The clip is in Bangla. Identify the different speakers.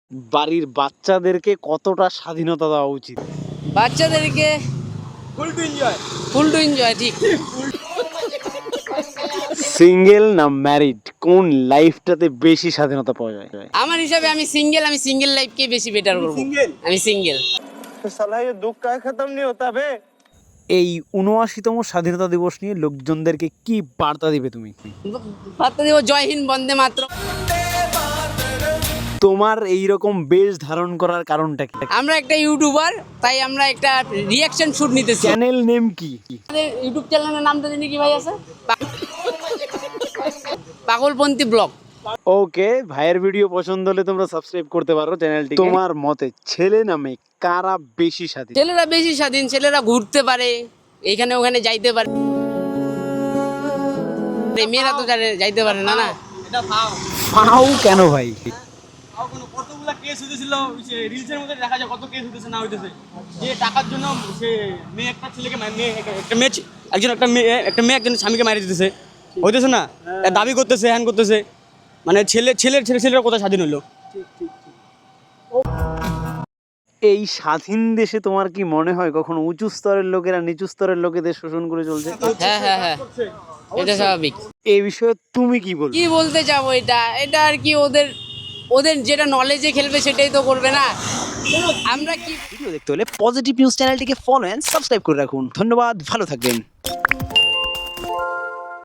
Speaker 1: বাড়ির বাচ্চাদেরকে কতটা স্বাধীনতা দেওয়া উচিত?
Speaker 2: বাচ্চাদেরকে ফুল টু এনজয় ঠিক।
Speaker 1: সিঙ্গেল না ম্যারিড, কোন লাইফটাতে বেশি স্বাধীনতা পাওয়া যায়?
Speaker 2: আমার হিসাবে আমি সিঙ্গেল লাইফকে বেশি বেটার করব। আমি সিঙ্গেল।
Speaker 1: এই ৭৯তম স্বাধীনতা দিবস নিয়ে লোকজনদেরকে কি বার্তা দিবে তুমি?
Speaker 2: বার্তা দেব জয় হিন্দ, বন্দে মাতরম।
Speaker 1: তোমার এইরকম বেশ ধারণ করার কারণটা কি?
Speaker 2: আমরা একটা ইউটিউবার, তাই আমরা একটা রিয়াকশন শুট নিতেছি।
Speaker 1: চ্যানেল নেম কি?
Speaker 2: আমাদের ইউটিউব চ্যানেলের নামটা জানি কি ভাই আছে? পাগলপন্থী ব্লগ।
Speaker 1: ওকে, ভাইয়ের ভিডিও পছন্দ হলে তোমরা সাবস্ক্রাইব করতে পারো চ্যানেলটি। তোমার মতে ছেলে না মেয়ে কারা বেশি স্বাধীন?
Speaker 2: ছেলেরা বেশি স্বাধীন, ছেলেরা ঘুরতে পারে, এখানে ওখানে যাইতে পারে। মেয়েরা তো যাইতে পারে না।
Speaker 1: পাও কেন ভাই?
Speaker 3: কতগুলা কেস হইতেছিল, রিলসের মধ্যে দেখা যায় কত কেস হইতেছে না হইতেছে, যে টাকার জন্য সে মেয়ে একটা ছেলেকে একটা মেয়ে একজন স্বামীকে মারি দিতেছে, হইতেছে না, দাবি করতেছে, হ্যান করতেছে, মানে ছেলেরা কোথায় স্বাধীন হলো?
Speaker 1: এই স্বাধীন দেশে তোমার কি মনে হয় কখনো উঁচু স্তরের লোকেরা নিচু স্তরের লোকেদের শোষণ করে চলছে?
Speaker 2: হ্যাঁ, এটা স্বাভাবিক।
Speaker 1: এই বিষয়ে তুমি কি বলবে?
Speaker 2: কি বলতে চাবো, এটা আর কি, ওদের যেটা নলেজে খেলবে সেটাই তো করবে না। আমরা কি
Speaker 1: ভিডিও দেখতে হলে পজিটিভ নিউজ চ্যানেলটিকে ফলো এন্ড সাবস্ক্রাইব করে রাখুন। ধন্যবাদ, ভালো থাকবেন।